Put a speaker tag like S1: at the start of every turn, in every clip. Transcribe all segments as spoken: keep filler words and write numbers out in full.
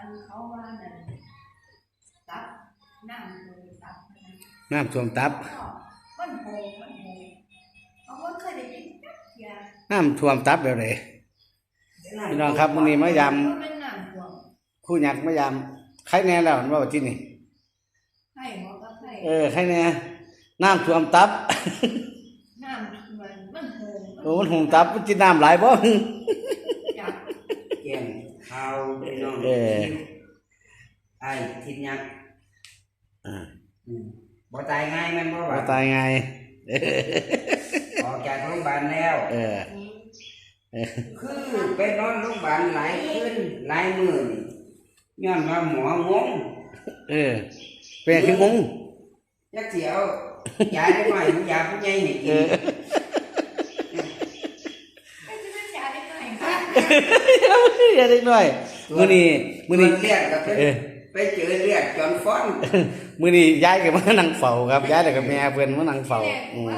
S1: อันเขาว่านั่นตับน้ำท่วมตับ
S2: น้ำท่วมตับ
S1: มันโหงมันโหงเอาว่าเคยได้ยินจักอย่าง
S2: น้ำท่วมตับแบบไหนพี่น้องครับมื้อนี้มายามคู่ยักษ์มายามใครแน่แล้วว่าที่นี่
S1: ให้หมอก็ให้
S2: เออใครแน่น้ำท่วมตับ
S1: น้ำมันมันโหง
S2: โอ้มันโหงตับมันกินน้ำหลายบ่
S3: แกงข้าวพี่น้อง
S2: เออ
S3: ไอ้ทิพยักษ์อ่าบ่ตายง่ายมันบ่
S2: บ่ตายง่าย
S3: ออกจากโรงพยาบาลแล้ว
S2: เออ
S3: คือไปนอนโรงพยาบาลหลายคืนหลายมื้อย้อนว่าหมองง
S2: เออเป็นคืองง
S3: จักสิเอายาได้หน่อยยาผู้ใหญ่ให้กิน
S2: อย่าเด็กน้อยมื้อนี้มื้อนี้
S3: เรียกกับไปเจอเรียกจนฟ้อน
S2: มื้อนี้ย้ายก็มานั่งเฝ้าครับย้ายแล้วก็แม่เพิ่นมานั่งเฝ้าอืม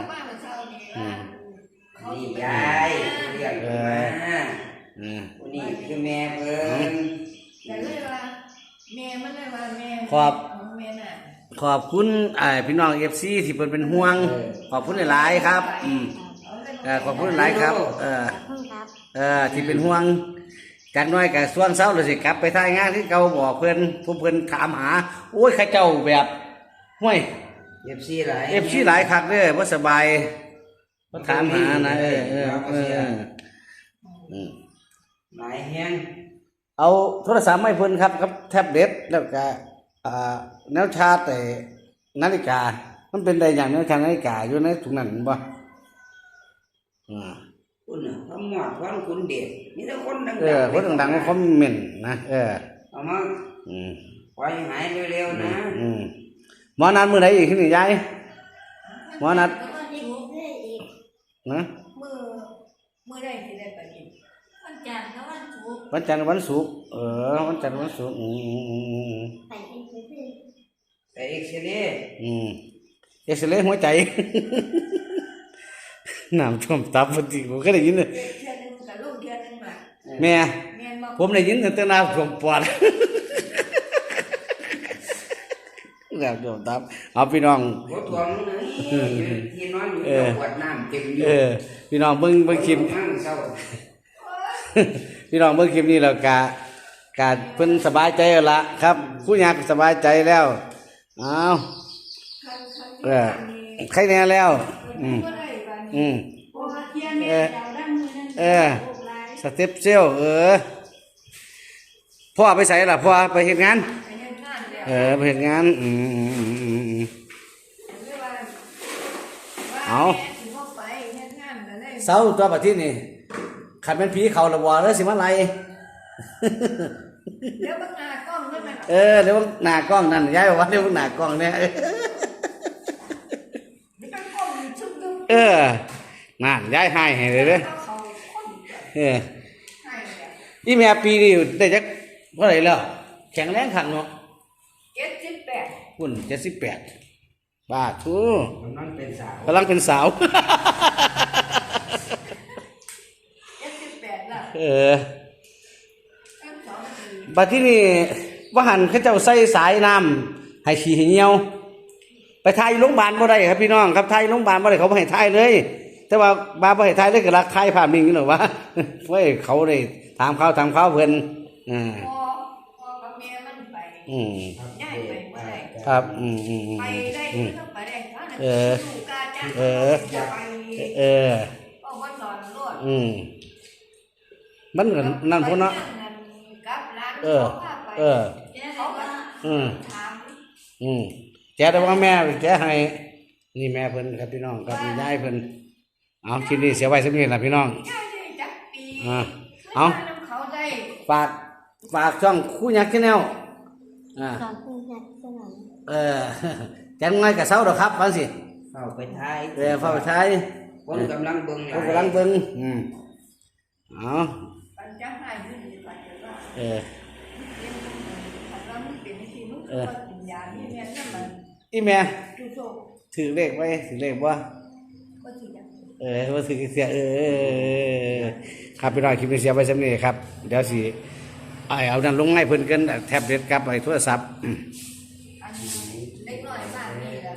S3: นี่ยายเรียกมาอืมนี่คือแม่เพิ่น
S1: แต่เลยว่าแม่มันเลยว่าแม่
S2: ขอบ
S1: แม่น่ะ
S2: ขอบคุณไอ้พี่น้อง เอฟ ซี ที่เพิ่นเป็นห่วงขอบคุณหลายๆครับอืมเออขอบคุณหลายครับเออเออที่เป็นห่วงจากน้อยก็ส่วนเช้าเลยสิกลับไปทำงานที่เก่าบอกเพิ่นผู้เพิ่นถามหาโอ้ยข้าเจ้าแบบห้วย
S3: เอฟ ซี หลาย
S2: เอฟ ซี หลายคักเด้อบ่สบายบ่ถามหานะเออเออเอออืม
S3: หลายแฮง
S2: เอาโทรศัพท์ให้เพิ่นครับกับแท็บเล็ตแล้วก็อ่าแนวชาร์จแต่นาฬิกามันเป็นได้อย่างแนวชาร์จนาฬิกาอยู่ในถุงนั้นบ่อ่า
S3: คุณน่ะคำหมอดคนคุณเด็ดมีแต่คนดังๆ
S2: เออคนดังๆคอมเมนต์นะเออ
S3: เอามาอืมปล่อยหายเร็วๆนะ
S2: อืมหมอนัดมื้อใดอีกขึ้นนี่ยายหมอนัดนะ
S1: มื้อมื้อใดสิได้ไปอีกวันจันทร์กับวันศุกร์
S2: วันจันทร์วันศุกร์เออวันจันทร์วันศุกร์อืม
S3: ไปเอ็กซเรย์
S2: อืมเอ็กซเรย์หัวใจน้ำท่วมตับพอดีผมก็ได้ยินเลยแม่ผมได้ยินแต่น้ำท่วมปอดน้ำท่วมตับเอาพี่น้อง
S3: ท่วมเลยที่นอนอยู่ปวดน้ำเต็มอยู่
S2: เออพี่น้องเบิ่งเบิ่งคลิปพี่น้องเบิ่งคลิปนี้แล้วกะกะเพิ่นสบายใจแล้วล่ะครับผู้ยากสบายใจแล้วเอาเออใครแน่แล้วอืมอืมเออเออสเต็ปเซลเออพ่อไปใส่ล่ะพ่อไปเห็นงานเออไปเห็นงานอืมอืมอืมอืมอืมเอาเศร้าตัวประเทศนี่ขัดเป็นผีเขาละวอแล้วสิมาไล่
S1: เดี๋ยวบังหน้ากล้องนั่นน่ะ
S2: เออเดี๋ยวหน้ากล้องนั่นย้ายบอกว่าเดี๋ยวหน้ากล้องเนี่ยเออนั่นย้ายให้ให้เลยเด้อเอออีแม่ปีนี้ได้จักเท่าไหร่แล้วแข็งแรงขันเนาะ
S1: เจ็ดสิบแปด
S2: คุณเจ็ดสิบแปดบาททู
S3: กำลังเป็นสาว
S2: กำลังเป็นสาว
S1: เจ็ดสิบแปดแล้ว
S2: เออบัดที่นี่ว่าหันเขาเจ้าใส่สายน้ำให้ฉี่ให้เหี่ยวไปทายโรงพยาบาลบ่ได้ครับพี่น้องครับทายโรงพยาบาลบ่ได้เขาบ่ให้ทายเลยแต่ว่าบาบ่ให้ทายเลยก็รักทายภาพนิ่งนี่หรอวะเว้ยเขาได้ถามเขาถามเขาเพิ่นอ่า
S1: พ่อพ่อกับแม่มันไป
S2: อืม
S1: ย้ายไปบ่ได้
S2: ครับอืมอืม
S1: ไปได้ก็ไปได้
S2: เออเออเออ
S1: พ่อบ่สอนรวด
S2: อืมมันก็นั่นพุ่นเนาะเออเอออืมอืมแกแต่ว่าแม่แกให้นี่แม่เพิ่นครับพี่น้องครับยายเพิ่นเอาคลิปนี้เสียไว้สักนิดนะพี่น้องอ่าเอาฝากฝากช่องคู่ยักษ์แนลอ่าเออจังไงกับเสาดอกครับฟังสิ
S3: เข้าไปท้าย
S2: เออเข้าไปท้าย
S3: คนกำลังเบิ่ง
S2: คนกำลังเบิ่งอืมเอาเออเอออีแม่ถือเลขไว้ถือเลขว่าเออว่าถือเสียเออครับพี่น้องคลิปนี้เสียไว้สำเร็จครับเดี๋ยวสิไอ้เอานั่นลงให้เพิ่นกันแท็บเล็ตกับไอ้โทรศัพท์
S1: อันเล็กน้อยบ้านนี่แหละ